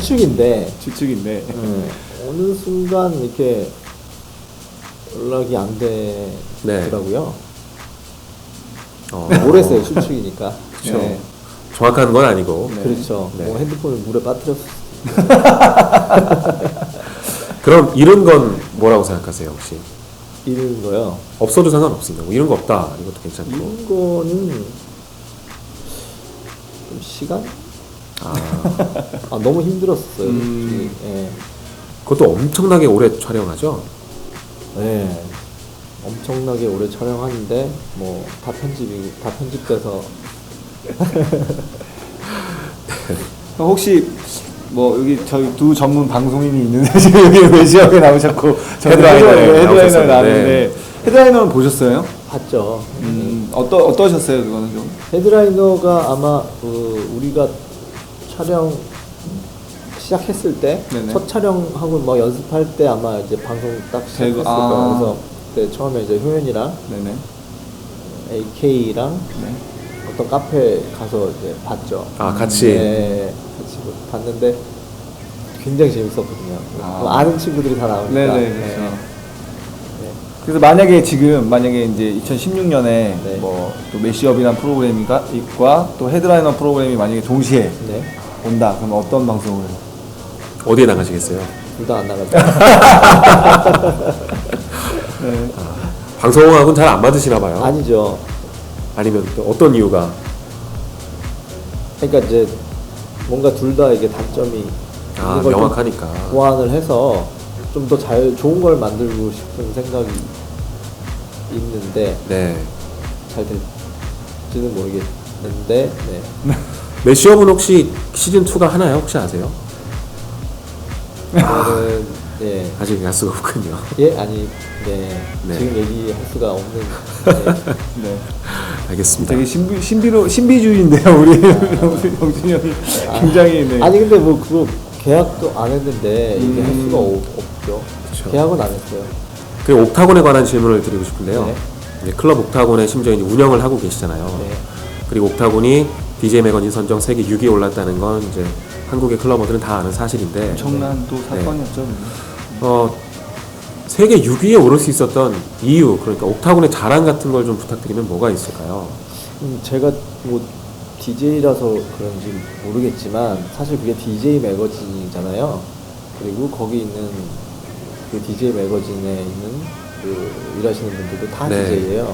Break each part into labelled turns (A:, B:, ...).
A: 추측인데
B: 추측인데
A: 어느 순간 이렇게 연락이 안 되더라고요. 모르겠어요. 추측이니까.
C: 그렇죠. 네. 정확한 건 아니고.
A: 네. 그렇죠.
C: 네.
A: 뭐 핸드폰을 물에 빠뜨렸을
C: 그럼 이런 건 뭐라고 생각하세요 혹시?
A: 이런 거요?
C: 없어도 상관없습니다. 뭐 이런 거 없다 이것도 괜찮고.
A: 이런 거는 좀 시간? 너무 힘들었어요. 예.
C: 그것도 엄청나게 오래 촬영하죠?
A: 네. 엄청나게 오래 촬영하는데 뭐 다 편집돼서
B: 혹시 뭐 여기 저희 두 전문 방송인이 있는데 지금 여기 외지역에 나오셨고 헤드라이너에 나왔는데 헤드라이너는 보셨어요?
A: 봤죠.
B: 어떠셨어요 그거는 좀?
A: 헤드라이너가 아마 우리가 촬영 시작했을 때 첫 촬영하고 뭐 연습할 때 아마 이제 방송 딱 시작했을 거예요. 그래서 그때 처음에 이제 효연이랑 AK랑 어떤 카페 가서 이제 봤죠.
C: 같이?
A: 네, 같이 봤는데 굉장히 재밌었거든요. 아는 친구들이 다 나오니까.
B: 네네, 그렇죠. 네. 그래서 만약에 이제 2016년에 뭐 또 매시업이란 프로그램과 또 헤드라이너 프로그램이 만약에 동시에 온다. 그럼 어떤 방송을?
C: 어디에 나가시겠어요?
A: 둘 다 안 나가죠.
C: 방송하고는 잘 안 맞으시나 봐요.
A: 아니죠.
C: 아니면 또 어떤 이유가?
A: 그러니까 이제 뭔가 둘 다 이게 단점이 있는 걸
C: 명확하니까
A: 보완을 해서 좀 더 좋은 걸 만들고 싶은 생각이 있는데 잘 될지는 모르겠는데
C: 매시업은 혹시 시즌 2가 하나요? 혹시 아세요?
A: 저는
C: 아직 알 수가 없군요.
A: 지금 얘기할 수가 없는.
C: 알겠습니다.
B: 되게 신비주의인데요, 우리 영준이 형이 굉장히.
A: 아니 근데 뭐 그거 계약도 안 했는데 이게 할 수가 없죠. 그쵸. 계약은 안 했어요.
C: 그리고 옥타곤에 관한 질문을 드리고 싶은데요. 클럽 옥타곤의 심지어 이제 운영을 하고 계시잖아요. 그리고 옥타곤이 DJ 매거진 선정 세계 6위에 올랐다는 건 이제 한국의 클러버들은 다 아는 사실인데
B: 엄청난 또 사건이었죠.
C: 세계 6위에 오를 수 있었던 이유, 그러니까 옥타곤의 자랑 같은 걸 좀 부탁드리면 뭐가 있을까요?
A: 제가 뭐 DJ라서 그런지 모르겠지만 사실 그게 DJ 매거진이잖아요. 그리고 거기 있는 그 DJ 매거진에 있는 그 일하시는 분들도 다 DJ예요.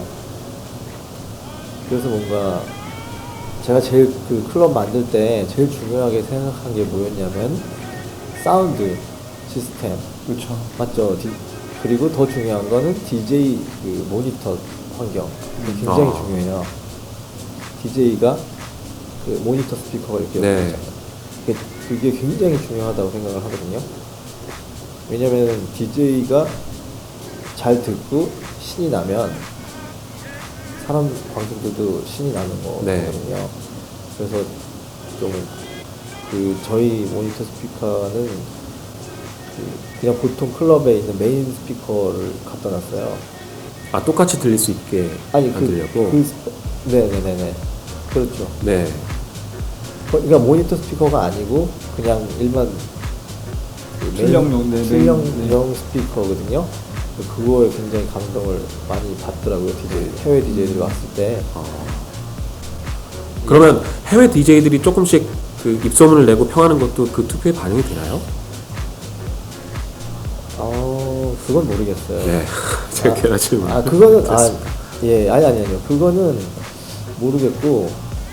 A: 그래서 뭔가 제가 제일 그 클럽 만들 때 제일 중요하게 생각한 게 뭐였냐면 사운드 시스템.
B: 그렇죠.
A: 맞죠. 그리고 더 중요한 거는 DJ 그 모니터 환경. 굉장히 중요해요. DJ가 그 모니터 스피커가 이렇게 있잖아요. 그게 굉장히 중요하다고 생각을 하거든요. 왜냐면 DJ가 잘 듣고 신이 나면 관객들도 신이 나는 거거든요. 그래서 좀 저희 모니터 스피커는 그냥 보통 클럽에 있는 메인 스피커를 갖다 놨어요.
C: 똑같이 들릴 수 있게 만들려고?
A: 네네네네. 그렇죠. 그러니까 모니터 스피커가 아니고 그냥 일반 출력용 스피커거든요. 그거에 굉장히 감동을 많이 받더라고요. 해외 DJ들이 왔을 때.
C: 그러면 해외 DJ들이 조금씩 그 입소문을 내고 평하는 것도 그 투표에 반영이 되나요?
A: 그건 모르겠어요.
C: 제가 괜한 질문.
A: 그거는 아니요. 그거는 모르겠고.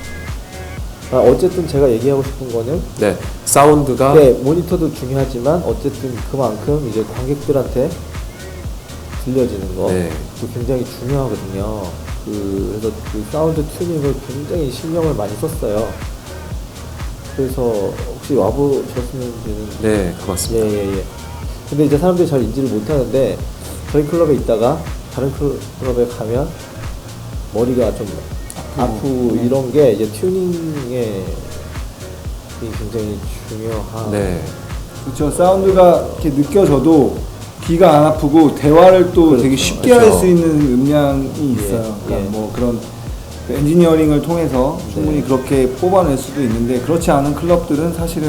A: 어쨌든 제가 얘기하고 싶은 거는
C: 사운드가
A: 모니터도 중요하지만 어쨌든 그만큼 이제 관객들한테 들려지는 거 굉장히 중요하거든요. 그래서 그 사운드 튜닝을 굉장히 신경을 많이 썼어요. 그래서 혹시 와보셨는지는
C: 고맙습니다.
A: 근데 이제 사람들이 잘 인지를 못하는데 저희 클럽에 있다가 다른 클럽에 가면 머리가 좀 아프고 이런 게 이제 튜닝에 굉장히 중요한.
B: 그렇죠. 사운드가 이렇게 느껴져도 귀가 안 아프고 대화를 또 되게 쉽게 할 수 있는 음량이 있어요. 그러니까 뭐 그런 엔지니어링을 통해서 충분히 그렇게 뽑아낼 수도 있는데 그렇지 않은 클럽들은 사실은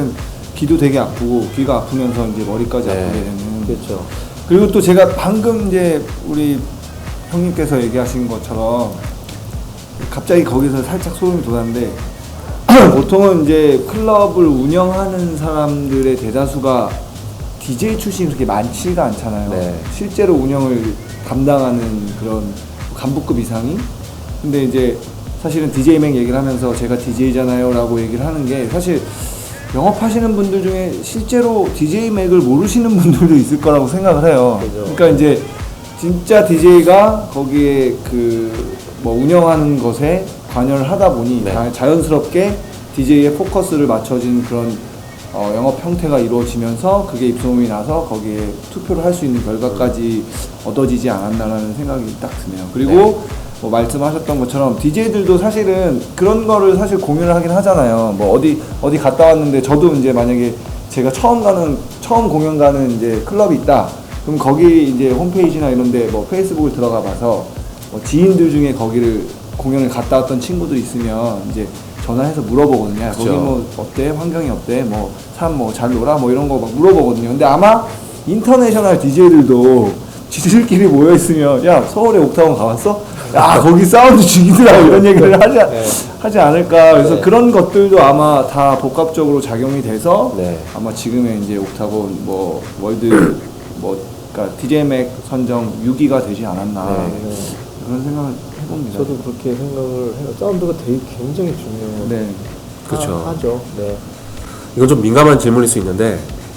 B: 귀도 되게 아프고 귀가 아프면서 이제 머리까지
C: 네.
B: 아프게 되는.
A: 그렇죠.
B: 그리고 또 제가 방금 이제 우리 형님께서 얘기하신 것처럼 갑자기 거기서 살짝 소름이 돋았는데 보통은 이제 클럽을 운영하는 사람들의 대다수가 DJ 출신이 그렇게 많지가 않잖아요.
C: 네.
B: 실제로 운영을 담당하는 그런 간부급 이상이. 근데 이제 사실은 DJ 맥 얘기를 하면서 제가 DJ잖아요 라고 얘기를 하는 게 사실 영업하시는 분들 중에 실제로 DJ 맥을 모르시는 분들도 있을 거라고 생각을 해요.
A: 그죠.
B: 그러니까 이제 진짜 DJ가 거기에 그 뭐 운영하는 것에 관여를 하다 보니
C: 네.
B: 자연스럽게 DJ의 포커스를 맞춰진 그런 영업 형태가 이루어지면서 그게 입소문이 나서 거기에 투표를 할 수 있는 결과까지 얻어지지 않았나라는 생각이 딱 드네요. 그리고
C: 네.
B: 뭐 말씀하셨던 것처럼 DJ들도 사실은 그런 거를 사실 공유를 하긴 하잖아요. 뭐 어디 갔다 왔는데 저도 이제 만약에 제가 처음 공연 가는 이제 클럽이 있다. 그럼 거기 이제 홈페이지나 이런데 뭐 페이스북을 들어가 봐서 뭐 지인들 중에 거기를 공연을 갔다 왔던 친구들이 있으면 이제 전화해서 물어보거든요. 야, 거기
C: 그렇죠.
B: 뭐 어때? 환경이 어때? 뭐 사람 뭐 잘 놀아? 뭐 이런 거 막 물어보거든요. 근데 아마 인터내셔널 DJ들도 지들끼리 모여 있으면 야 서울에 옥타곤 가봤어? 야 거기 사운드 죽이더라고 이런 얘기를 하지 않을까. 그래서
A: 네.
B: 그런 것들도 아마 다 복합적으로 작용이 돼서
C: 네.
B: 아마 지금의 이제 옥타곤 뭐 월드 뭐 그러니까 DJ 맥 선정 6위가 되지 않았나
C: 네.
B: 그런 생각을 해봅니다.
A: 저도 그렇게 생각을 해요. 사운드가 되게 굉장히 중요해요.
B: 네.
C: 그렇죠.
A: 하죠. 네.
C: 이건 좀 민감한 질문일 수 있는데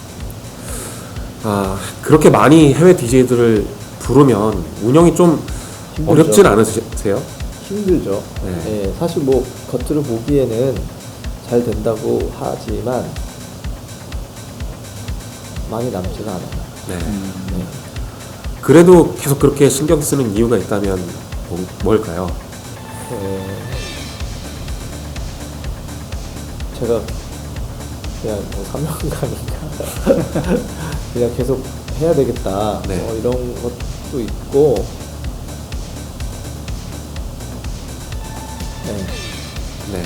C: 그렇게 많이 해외 DJ들을 부르면 운영이 좀
A: 힘들죠.
C: 어렵진 않으세요?
A: 힘들죠.
C: 네.
A: 예, 사실 뭐 겉으로 보기에는 잘 된다고 하지만 많이 남지가 않아요.
C: 네.
A: 네.
C: 그래도 계속 그렇게 신경 쓰는 이유가 있다면 뭘까요?
A: 제가 그냥 뭐 사명감인가 그냥 계속 해야 되겠다
C: 네.
A: 이런 것도 있고 네,
C: 네.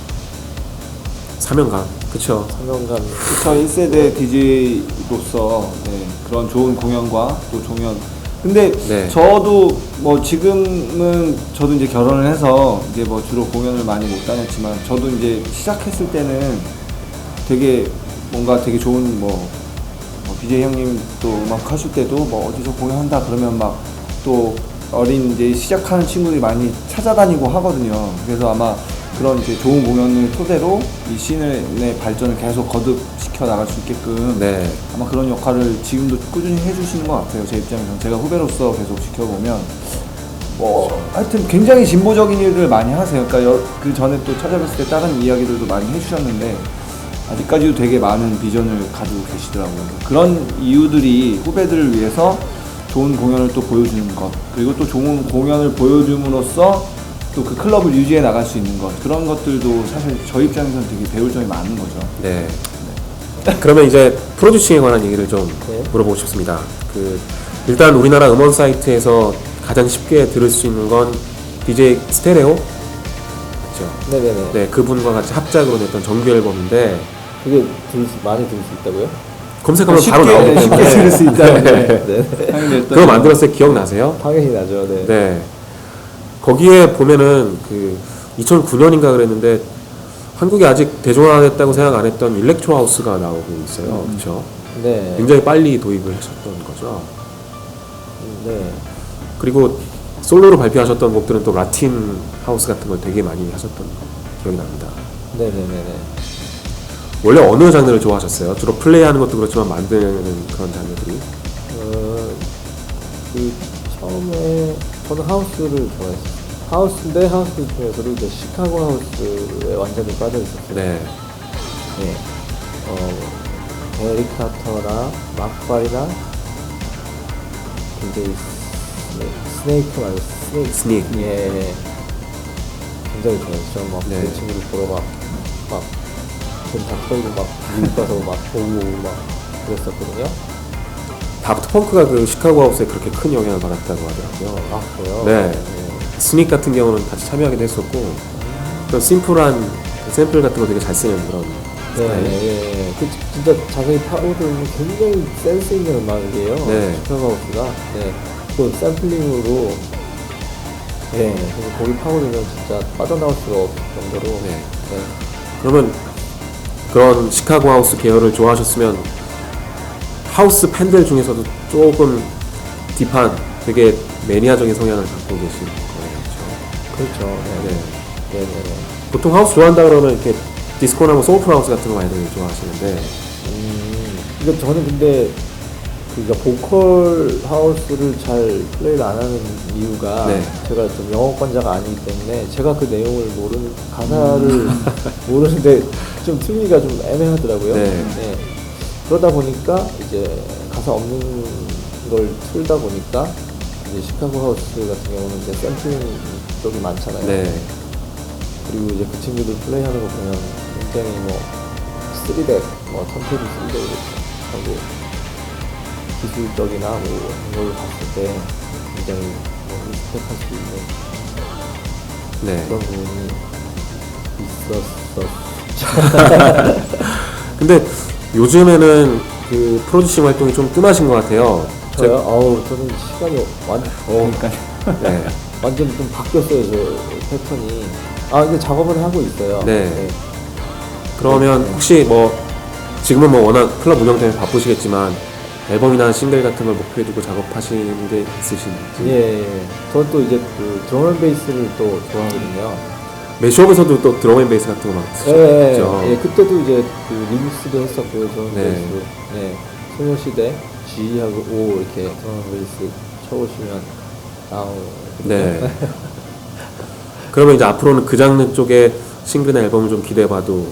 C: 사명감. 그쵸.
A: 사명감
B: 1세대 DJ로서 네, 그런 좋은 공연과 또 종연. 근데
C: 네.
B: 저도 뭐 지금은 저도 이제 결혼을 해서 이제 뭐 주로 공연을 많이 못 다녔지만 저도 이제 시작했을 때는 되게 뭔가 되게 좋은 뭐 BJ 형님 또 음악 하실 때도 뭐 어디서 공연한다 그러면 막 또 어린 이제 시작하는 친구들이 많이 찾아다니고 하거든요. 그래서 아마 그런 이제 좋은 공연을 토대로 이 씬의 발전을 계속 거듭시켜 나갈 수 있게끔
C: 네.
B: 아마 그런 역할을 지금도 꾸준히 해주시는 것 같아요. 제 입장에서는 제가 후배로서 계속 지켜보면 뭐 하여튼 굉장히 진보적인 일을 많이 하세요. 그러니까 그 전에 또 찾아뵀을 때 다른 이야기들도 많이 해주셨는데 아직까지도 되게 많은 비전을 가지고 계시더라고요. 그런 이유들이 후배들을 위해서 좋은 공연을 또 보여주는 것, 그리고 또 좋은 공연을 보여줌으로써 또 그 클럽을 유지해 나갈 수 있는 것, 그런 것들도 사실 저희 입장에서는 되게 배울 점이 많은 거죠.
C: 네. 그러면 이제 프로듀싱에 관한 얘기를 좀
A: 네.
C: 물어보고 싶습니다. 일단 우리나라 음원 사이트에서 가장 쉽게 들을 수 있는 건 DJ 스테레오? 그렇죠.
A: 네네네.
C: 네, 그분과 같이 합작으로 냈던 정규 앨범인데
A: 그게 많이 들을 수 있다고요?
C: 검색하면 바로 나오기
B: 쉽게
C: 때문에
B: 들을 수 있다는데
A: 네.
C: 그거 만들었을 때 기억나세요?
A: 당연히 나죠. 네.
C: 네. 거기에 보면은 2009년인가 그랬는데 한국에 아직 대중화됐다고 생각 안 했던 일렉트로 하우스가 나오고 있어요. 그렇죠?
A: 네.
C: 굉장히 빨리 도입을 하셨던 거죠.
A: 네.
C: 그리고 솔로로 발표하셨던 곡들은 또 라틴 하우스 같은 걸 되게 많이 하셨던 기억이 납니다.
A: 네네네네.
C: 원래 어느 장르를 좋아하셨어요? 주로 플레이하는 것도 그렇지만 만드는 그런 장르들이?
A: 처음에 저는 하우스를 좋아했어요. 하우스인데 하우스 중에서도 이제 시카고 하우스에 완전히 빠져 있었어요.
C: 네.
A: 네. 에릭 카터나 막발이나 굉장히 스네이크 말고
C: 스닉.
A: 예. 굉장히 좋아했죠. 막
C: 네.
A: 그 친구들 보러 다 털고 막 미국 가서 막 보고 막 그랬었거든요.
C: 다프트 펑크가 그 시카고 하우스에 그렇게 큰 영향을 받았다고 하더라고요.
A: 아 그래요?
C: 네. 스닉 같은 경우는 같이 참여하기도 했었고, 그런 심플한 그 샘플 같은 거 되게 잘 쓰는 그런 스타일.
A: 네. 그 진짜 자세히 파고들면 굉장히 센스 있는 음악이에요.
C: 네.
A: 시카고 하우스가. 네. 또 샘플링으로. 네. 그래서 거기 파고들면 진짜 빠져나올 수가 없을 정도로.
C: 네.
A: 네.
C: 그러면 그런 시카고 하우스 계열을 좋아하셨으면 하우스 팬들 중에서도 조금 딥한 되게 매니아적인 성향을 갖고 계신 거예요.
A: 그렇죠. 네.
C: 네.
A: 네. 네.
C: 보통 하우스 좋아한다 그러면 이렇게 디스코나 뭐 소울풀 하우스 같은 거 많이들 좋아하시는데
A: 그러니까 저는 근데 그러니까 보컬 하우스를 잘 플레이를 안 하는 이유가
C: 네.
A: 제가 좀 영어권자가 아니기 때문에 제가 그 내용을 모르는 가사를 모르는데 좀 틀기가 좀 애매하더라고요.
C: 네.
A: 그러다 보니까 이제 가사 없는 걸 틀다 보니까 이제 시카고 하우스 같은 경우는 이제 샘플링 쪽이 많잖아요.
C: 네.
A: 그리고 이제 그 친구들 플레이하는 거 보면 굉장히 뭐 3덱, 뭐 턴테이블 3덱 하고 기술적이나 뭐 이런 걸 봤을 때 굉장히 뭐 리스펙할 수 있는
C: 네.
A: 그런 부분이 있었어.
C: 근데 요즘에는 그 프로듀싱 활동이 좀 뜸하신 것 같아요.
A: 저요? 어우, 저는 시간이
B: 그러니까
C: 네.
A: 완전 좀 바뀌었어요, 저 패턴이. 아, 근데 작업은 하고 있어요.
C: 네. 그러면 혹시 뭐 지금은 뭐 워낙 클럽 운영 때문에 바쁘시겠지만 앨범이나 싱글 같은 걸 목표에 두고 작업하시는 게 있으신지?
A: 예. 저는 또 이제 그 드럼앤베이스를 또 좋아하거든요.
C: 매시업에서도 또 드럼앤베이스 같은 거 막
A: 예,
C: 쓰셨죠?
A: 예, 그때도 이제 그 리믹스도 했었고요, 드럼앤베이스.
C: 네.
A: 네. 소녀시대 G하고 O 이렇게 드럼앤베이스 쳐보시면 나오고.
C: 네. 그러면 이제 앞으로는 그 장르 쪽에 싱글이나 앨범을 좀 기대해봐도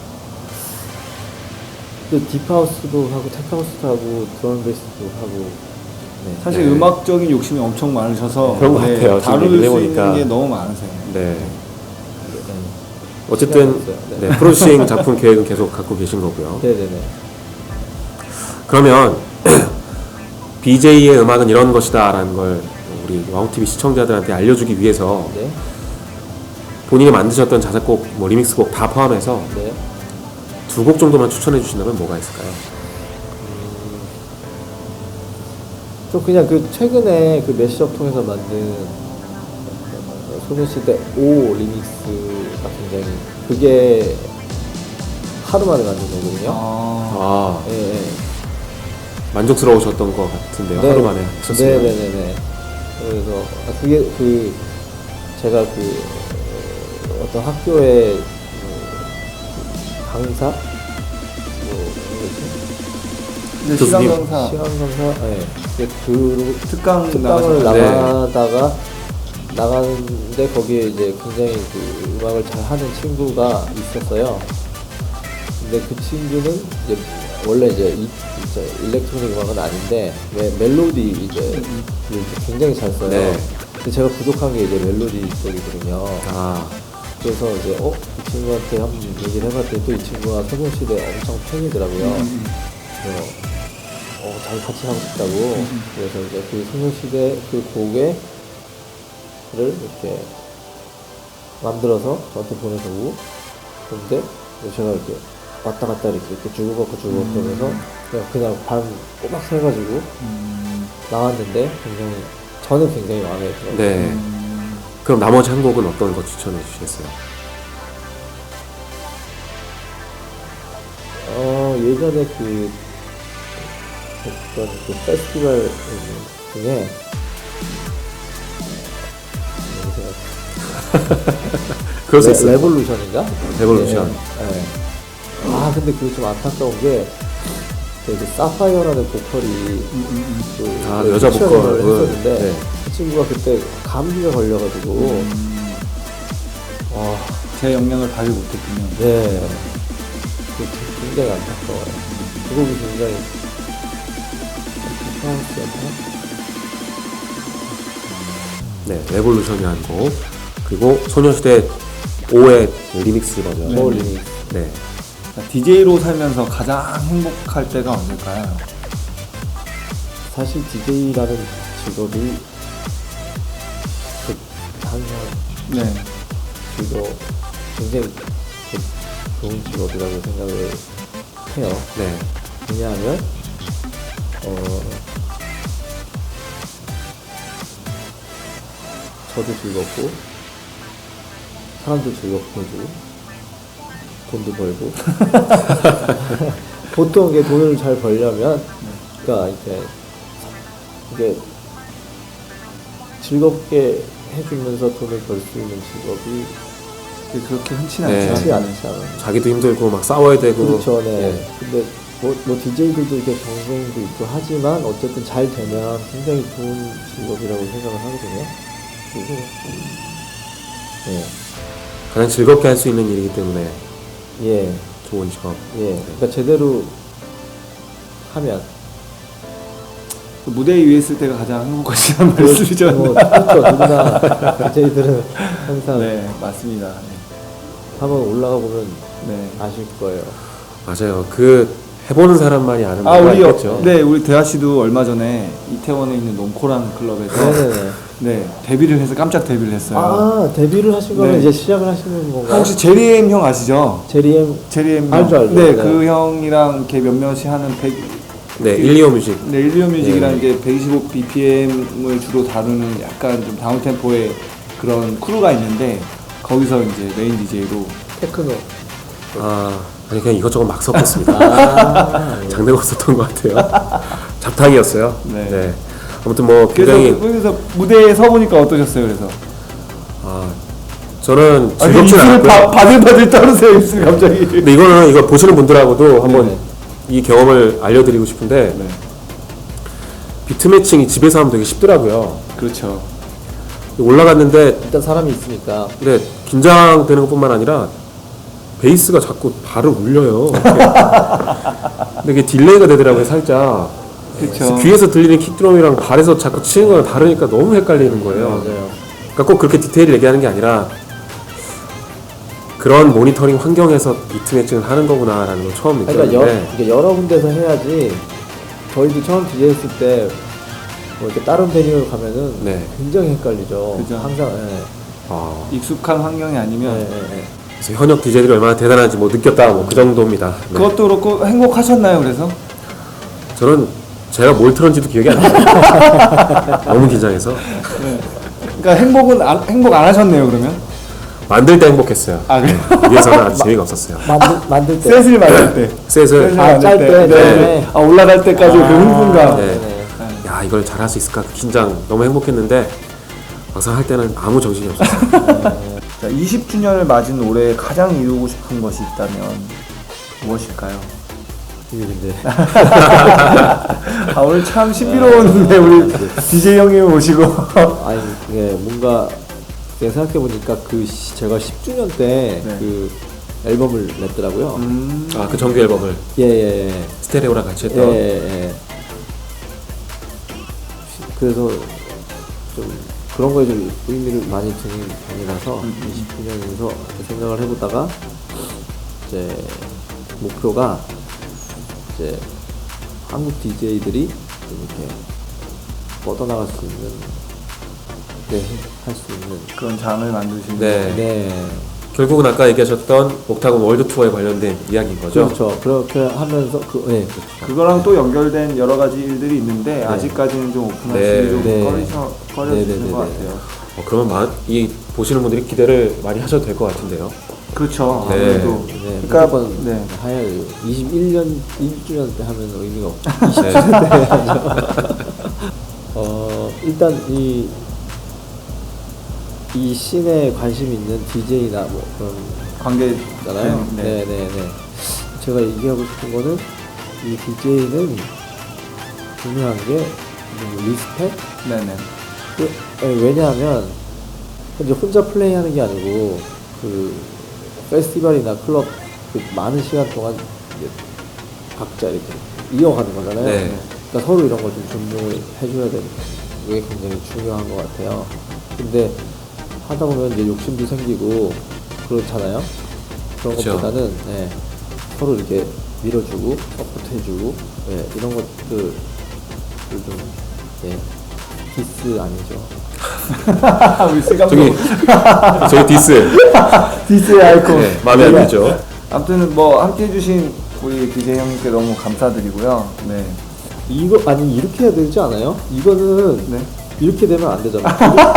A: 또 딥하우스도 하고 테크하우스도 하고 드럼앤베이스도 하고. 네.
B: 사실
C: 네.
B: 음악적인 욕심이 엄청 많으셔서
C: 그런 것 같아요. 지금
B: 다룰
C: 얘기를
B: 수
C: 해보니까.
B: 있는 게 너무 많으세요.
C: 네.
A: 네.
C: 어쨌든
A: 시간이 없어요. 네.
C: 네, 프로듀싱 작품 계획은 계속 갖고 계신 거고요.
A: 네네네.
C: 그러면 BJ의 음악은 이런 것이다라는 걸 우리 와우TV 시청자들한테 알려주기 위해서
A: 네.
C: 본인이 만드셨던 자작곡, 뭐 리믹스곡 다 포함해서
A: 네.
C: 2곡 정도만 추천해 주신다면 뭐가 있을까요?
A: 저 그냥 그 최근에 그 매시업 통해서 만든 소녀시대 O 리믹스가 굉장히 그게 하루 만에 만든 거거든요.
C: 아,
A: 예, 예.
C: 만족스러우셨던 것 같은데요.
A: 네.
C: 하루 만에 하셨어요.
A: 네네네네. 그래서 그게 그 제가 그 어떤 학교의 강사 뭐
B: 근데
C: 교수님.
B: 시간 강사
A: 시간 강사 그
B: 특강을
A: 특강을
B: 나가셨죠?
A: 나가는데 거기에 이제 굉장히 그 음악을 잘 하는 친구가 있었어요. 근데 그 친구는 이제 원래 이제 일렉트로닉 음악은 아닌데 멜로디 이제 굉장히 잘 써요.
C: 네.
A: 근데 제가 부족한 게 이제 멜로디 쪽이거든요.
C: 아,
A: 그래서 이제 이 친구한테 한번 얘기를 해봤더니 또 이 친구가 소녀시대 엄청 팬이더라고요. 그래서 잘 같이 하고 싶다고. 그래서 이제 그 소녀시대 그 곡에 를 이렇게 만들어서 저한테 보내주고, 그런데 제가 이렇게 왔다 갔다 이렇게 주고받고 하면서 그냥 반 꼬박 세가지고 나왔는데 저는 굉장히 마음에 들어요.
C: 네. 그럼 나머지 한 곡은 어떤 거 추천해 주시겠어요?
A: 예전에 그 어떤 그 페스티벌 중에
C: 그럴 수 있어요.
A: 레볼루션인가?
C: 레볼루션.
A: 네. 아 근데 그게 좀 안타까운 게 그 사파이어라는 보컬이 그
C: 여자 보컬을
A: 했었는데
C: 네.
A: 그 친구가 그때 감기가 걸려가지고
B: 제 영향을 받지 못했군요.
A: 네. 그게 굉장히 안타까워요. 그 곡이 굉장히
C: 네, 레볼루션이라는 곡, 그리고 소녀시대 5의 리믹스 버전.
A: 네. 리믹스.
C: 네.
B: DJ로 살면서 가장 행복할 때가 언제일까요?
A: 사실 DJ라는 직업이 항상
B: 네.
A: 그거 굉장히 좋은 직업이라고 생각을 해요.
C: 네.
A: 왜냐하면 저도 즐겁고 사람도 즐겁게 해주고 돈도 벌고 보통 이게 돈을 잘 벌려면 그러니까 이게 즐겁게 해주면서 돈을 벌 수 있는 직업이
B: 그렇게 흔치
C: 네.
B: 않죠.
A: 흔치 않지 않아요.
C: 자기도 힘들고 막 싸워야 되고.
A: 그렇죠, 네.
C: 예.
A: 근데 뭐 DJ들도 이렇게 경쟁도 있고 하지만 어쨌든 잘 되면 굉장히 좋은 직업이라고 생각을 하거든요. 그리고 예,
C: 가장 즐겁게 할 수 있는 일이기 때문에
A: 예,
C: 좋은 직업.
A: 예. 그러니까 제대로 하면
B: 그 무대 위에 있을 때가 가장 행복하시다는 말씀이죠.
A: 그렇죠. 누구나 DJ들은 항상
B: 네, 맞습니다.
A: 한번 올라가 보면
B: 네.
A: 아실 거예요.
C: 맞아요. 그 해보는 사람만이 아는
B: 아,
C: 바가
B: 우리
C: 있겠죠.
B: 네, 우리 대하 씨도 얼마 전에 이태원에 있는 놈코란 클럽에서
A: 네네네.
B: 네, 데뷔를 해서 깜짝 데뷔를 했어요.
A: 아, 데뷔를 하신 거면
B: 네.
A: 이제 시작을 하시는 건가요?
B: 혹시 제리엠 형 아시죠?
A: 제리엠
B: 제리엠
A: 알죠, 알죠.
B: 네,
A: 네.
B: 그 형이랑 이렇게 몇몇이 하는
C: 네, 125 뮤직.
B: 네, 일리오 뮤직이라는
C: 네.
B: 게 125 BPM을 주로 다루는 약간 좀 다운 템포의 그런 크루가 있는데 거기서 이제 메인 DJ로
A: 테크노.
C: 아니 그냥 이것저것 막 섞었습니다.
A: 아,
C: 장르가 없었던 것 같아요. 잡탕이었어요.
B: 네.
C: 네. 아무튼 뭐
B: 그래서
C: 굉장히
B: 거기서 무대에 서 보니까 어떠셨어요? 그래서
C: 저는
B: 아니,
C: 즐겁진
B: 입술
C: 않았고요.
B: 바들바들 떨으세요 입술 갑자기.
C: 근데 이거는 이거 보시는 분들하고도 한번
A: 네네.
C: 이 경험을 알려드리고 싶은데
B: 네.
C: 비트 매칭이 집에서 하면 되게 쉽더라고요.
B: 그렇죠.
C: 올라갔는데
A: 일단 사람이 있으니까.
C: 근데 긴장되는 것뿐만 아니라 베이스가 자꾸 발을 울려요. 근데 이게 딜레이가 되더라고요, 살짝.
B: 그렇죠.
C: 귀에서 들리는 킥드럼이랑 발에서 자꾸 치는 거랑 다르니까 너무 헷갈리는 거예요.
A: 맞아요.
C: 그러니까 꼭 그렇게 디테일을 얘기하는 게 아니라 그런 모니터링 환경에서 비트 매칭을 하는 거구나라는 걸 처음
A: 그러니까
C: 느꼈는데
A: 이게 여러 군데서 해야지. 저희도 처음 DJ 했을 때 뭐 이렇게 다른 베뉴 가면은
C: 네.
A: 굉장히 헷갈리죠.
B: 그죠.
A: 항상. 예.
B: 익숙한 환경이 아니면
A: 예, 예, 예.
C: 그래서 현역 DJ들이 얼마나 대단한지 뭐 느꼈다 뭐 그 정도입니다. 네.
B: 그것도 그렇고 행복하셨나요? 그래서
C: 저는 제가 뭘 틀었는지도 기억이 안 나요. 너무 긴장해서
B: 그러니까 행복 안 하셨네요. 그러면
C: 만들 때 행복했어요.
B: 아 그래?
C: 위에서는 아주 재미가 없었어요.
A: 만들 때.
B: 셋을 만들 때.
C: 셋을
A: 아, 짤 때. 네.
B: 아, 올라갈 때까지 그 흥분감.
C: 네.
A: 네.
C: 야 이걸 잘할 수 있을까 그 긴장 너무 행복했는데 막상 할 때는 아무 정신이 없었어요.
B: 자, 20주년을 맞은 올해 가장 이루고 싶은 것이 있다면 무엇일까요?
A: 이게 근데
B: 아, 오늘 참 신비로운데 우리 DJ 형님 모시고
A: 아니 이게 뭔가 내가 생각해 보니까 제가 10주년 때
B: 네.
A: 그 앨범을 냈더라고요.
C: 아 그 정규 앨범을
A: 예예예.
C: 스테레오랑 같이 했던
A: 예. 그래서 좀 그런 거에 좀 의미를 많이 두는 편이라서 20주년에서 생각을 해보다가 이제 목표가 이제 한국 DJ들이 좀 이렇게 뻗어나갈 수 있는 할 수 있는
B: 그런 장을 만드시는
C: 네.
A: 네.
C: 결국은 아까 얘기하셨던 옥타곤 월드 투어에 관련된 이야기인 거죠.
A: 그렇죠. 그렇게 하면서 그렇죠.
B: 그거랑 또 연결된 여러 가지 일들이 있는데 아직까지는 좀 오픈하시기
C: 네.
B: 좀
A: 네.
B: 꺼려지는 것 같아요.
C: 그러면 이 보시는 분들이 기대를 많이 하셔도 될 것 같은데요.
B: 그렇죠.
C: 네.
B: 아무래도
A: 네,
B: 그러니까
A: 무조건
B: 네.
A: 해야 돼요. 21년 1주년 때 하면 의미가 없죠.
C: 네.
A: 20주년 때 해야죠. 일단 이 씬에 관심 있는 DJ나 뭐 그런
B: 관계잖아요.
A: 네네네. 제가 얘기하고 싶은 거는 이 DJ는 중요한 게 리스펙?
B: 네네.
A: 왜냐하면 이제 혼자 플레이하는 게 아니고 그 페스티벌이나 클럽 그 많은 시간 동안 이제 각자 이렇게 이어가는 거잖아요.
C: 네.
A: 그러니까 서로 이런 걸 좀 존중을 해줘야 되는 게 굉장히 중요한 것 같아요. 근데 하다 보면 이제 욕심도 생기고 그렇잖아요. 그런
C: 그쵸.
A: 것보다는 서로 이렇게 밀어주고 서포트해주고 이런 것들을 좀 디스 아니죠.
B: 우리 씨
C: 저기
B: 감독
C: 저희 디스
B: 디스의 아이콘.
C: 네, 마음에 안 들죠.
B: 아무튼 뭐 함께 해주신 우리 DJ 형님께 너무 감사드리고요. 네.
A: 이거 아니 이렇게 해야 되지 않아요? 이거는
B: 네.
A: 이렇게 되면 안 되잖아.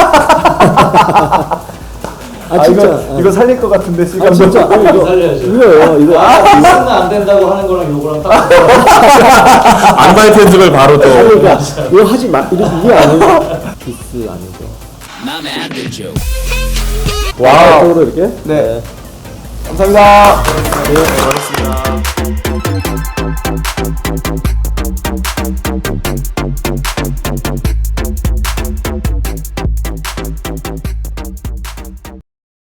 A: 아 진짜.
B: 이거 살릴 것 같은데
A: 아
B: 실감.
A: 진짜. 이거
D: 살려야죠.
A: 이거요. 이거.
D: 이거는 안 된다고 하는 거랑 요거랑 딱
C: 안말 편집을 바로 또.
A: 그러니까 이거 하지 마. 이게 아니고 키스 아니죠.
B: 와우.
A: 쪽으로 이렇게.
B: 네. 감사합니다.
A: 네.